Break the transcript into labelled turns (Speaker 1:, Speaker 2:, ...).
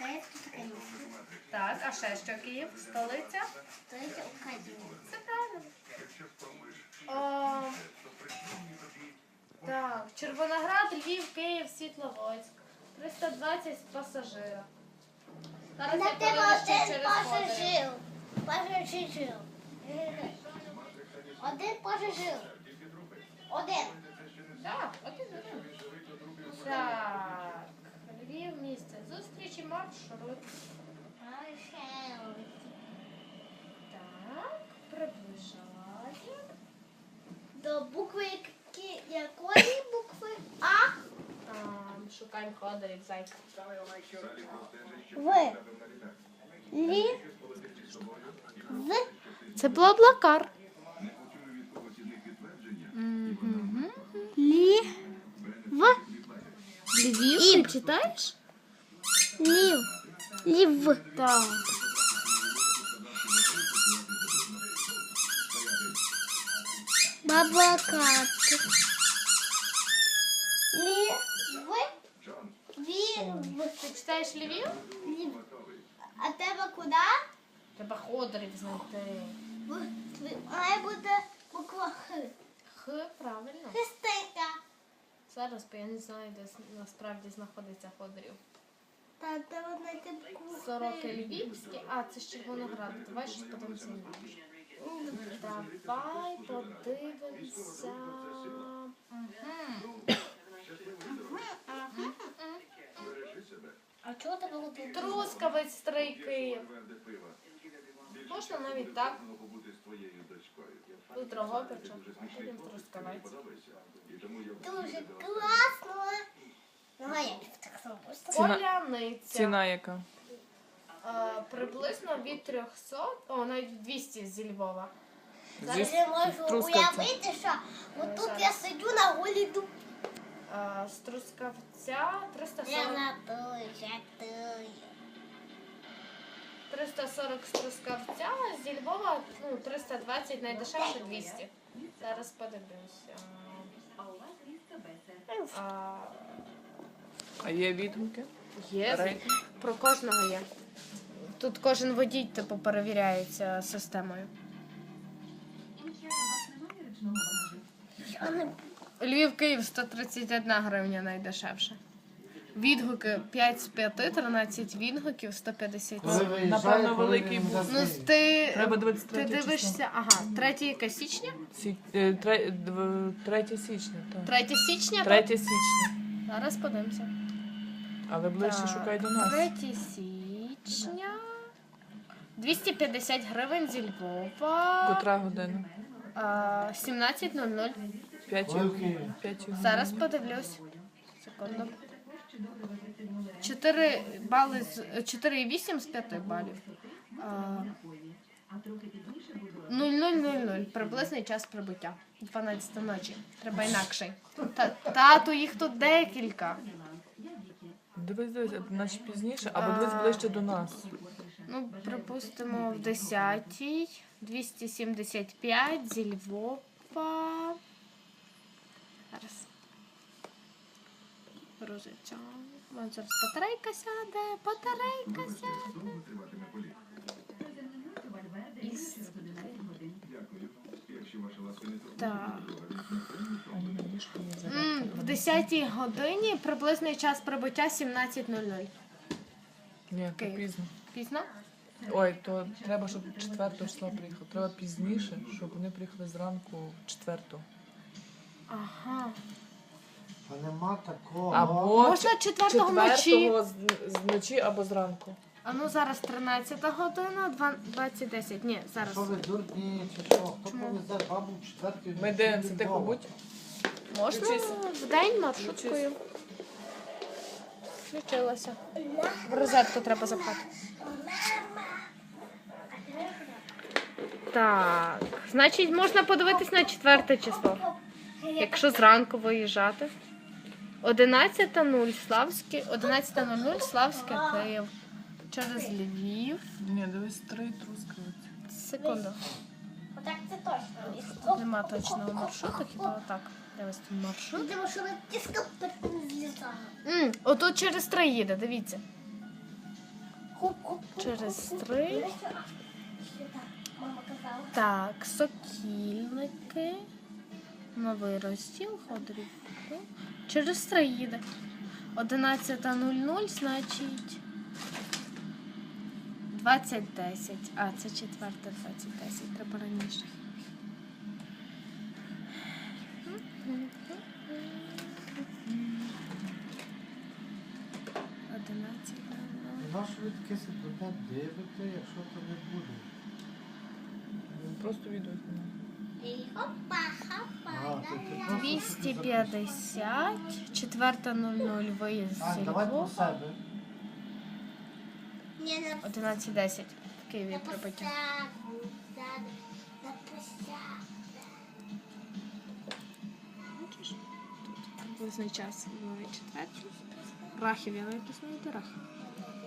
Speaker 1: Так, а ще що Київ? Столиця?
Speaker 2: Столиця України.
Speaker 1: Це правильно. О, так, Червоноград, Львів, Київ, Світловодськ. 320 пасажирів. Зараз
Speaker 2: На
Speaker 1: я
Speaker 2: тебе
Speaker 1: подивлюсь, що
Speaker 2: один
Speaker 1: через
Speaker 2: пасажир. Пасажир. Один пасажир. Один.
Speaker 1: Так, окей. Так, Львів, місце. Зустрічі, маршрут. Так, приближаю.
Speaker 2: До букви якої букви? А?
Speaker 1: Шукаємо ходорів, зайка.
Speaker 2: В. Лі. В.
Speaker 1: Це Блаблакар.
Speaker 2: Лі. В.
Speaker 1: Львів, ти читаєш?
Speaker 2: Лів. Лів.
Speaker 1: Так.
Speaker 2: Баблакат. Лів. Вів.
Speaker 1: Ти читаєш Львів?
Speaker 2: Лів. А тебе куди?
Speaker 1: Треба ходорів знайти.
Speaker 2: Має бути буква Х.
Speaker 1: Х, правильно.
Speaker 2: Хистика.
Speaker 1: Зараз, бо я не знаю, де насправді знаходиться ходорів.
Speaker 2: Та треба знайти букву Х.
Speaker 1: Сороки Львівські. А, це з Червонограду. Давай щось подивимося. Давай подивимося.
Speaker 2: А чого тебе готують?
Speaker 1: Трускавець, Стрий, Київ. Можна навіть так. Тут Дрогобича, а потім Трускавець.
Speaker 2: Дуже класно. Ну, а як так зробити?
Speaker 1: Поляниця.
Speaker 3: Ціна яка?
Speaker 1: Приблизно від 300, навіть 200 зі Львова.
Speaker 2: Зараз я можу
Speaker 3: Трускавця.
Speaker 2: уявити, що отут я сиджу на голі дуб.
Speaker 1: З Трускавця
Speaker 2: Я
Speaker 1: 340.
Speaker 2: жартую, жартую.
Speaker 1: 340 з Трускавця, зі Львова 320, найдешевше 200. Зараз подивлюся.
Speaker 3: А є відгуки?
Speaker 1: Є,
Speaker 3: Рейтинг?
Speaker 1: про кожного є. Тут кожен водій типу перевіряється системою.
Speaker 2: Я не
Speaker 1: Львів, Київ 131 гривня найдешевше. Відгуки 5 з 5, 13 відгуків, 150.
Speaker 3: Напевно, великий був.
Speaker 1: Ну, ти
Speaker 3: Треба 23
Speaker 1: ти дивишся, ага, 3 яка січня?
Speaker 3: 3 січня, так.
Speaker 1: 3 січня?
Speaker 3: 3
Speaker 1: так?
Speaker 3: січня.
Speaker 1: Зараз подивимося.
Speaker 3: Але ближче
Speaker 1: Так,
Speaker 3: шукай до нас.
Speaker 1: 3 січня. 250 гривень зі Львова.
Speaker 3: Котра година?
Speaker 1: 17:00.
Speaker 3: 5.
Speaker 1: Зараз подивлюсь. Секунду. 4 бали 4,8 з 5 балів. 00:00. Приблизний час прибуття. 12 ночі. Треба інакший. Тату, їх тут декілька.
Speaker 3: Дивись, наче пізніше, або дивись ближче до нас.
Speaker 1: Ну, припустимо, в 10-й. 275 зі Львова. Зараз. Грузиться. Вон зараз батарейка сяде, батарейка сяде. Так. В 10-й годині приблизний час прибуття 17:00.
Speaker 3: Ні, то
Speaker 1: Київ.
Speaker 3: пізно.
Speaker 1: Пізно?
Speaker 3: Ой, то треба, щоб 4 числа приїхав. Треба пізніше, щоб вони приїхали зранку 4.
Speaker 1: Ага.
Speaker 4: Та нема такого.
Speaker 3: Або
Speaker 1: Можна 4-го вночі.
Speaker 3: 4-го вночі або зранку.
Speaker 1: А ну зараз 13 година, 20:10. Ні, зараз.
Speaker 4: Що ви дурні, чи що? Хто повезе бабу в четвертій?
Speaker 3: Ми дивимося, тихо будь.
Speaker 1: Можна
Speaker 3: Включися.
Speaker 1: в день маршруткою. Включилася. В розетку треба запхати. Так, значить, можна подивитись на 4 число. Якщо зранку виїжджати. 11:00 Славське, 11:00 Славське, Київ. Через Львів.
Speaker 3: Ні, дивись, 3 Трускавець.
Speaker 1: Секунду.
Speaker 2: Отак це точно.
Speaker 1: Нема точного маршруту, хіба отак. Дивись тут маршрут.
Speaker 2: Видимо, що на тіска не злітає.
Speaker 1: Отут через 3 їде, дивіться.
Speaker 2: Хоп-хоп.
Speaker 1: Через 3.
Speaker 2: Мама казала.
Speaker 1: Так, Сокільники. Новий розділ, Ходорівки. Через 3 їде. 11:00, значить 20:10. А, це 4:20:10. Треба раніше.
Speaker 4: І на що ви таке себе дивите, якщо то не буде?
Speaker 3: Просто відео знімаю.
Speaker 2: І хопа, хопа.
Speaker 4: А, то ти просто собі записуєш.
Speaker 1: 250, 4:00 виїзд з
Speaker 4: Ань, давай про
Speaker 1: Львова,
Speaker 4: себе.
Speaker 2: Ні, не
Speaker 1: 11:10 в Києві прибуття.
Speaker 2: На посяду.
Speaker 1: Бачиш? Тут приблизний час в четвертій. Рахів, я навіть не знаю, де Рахів.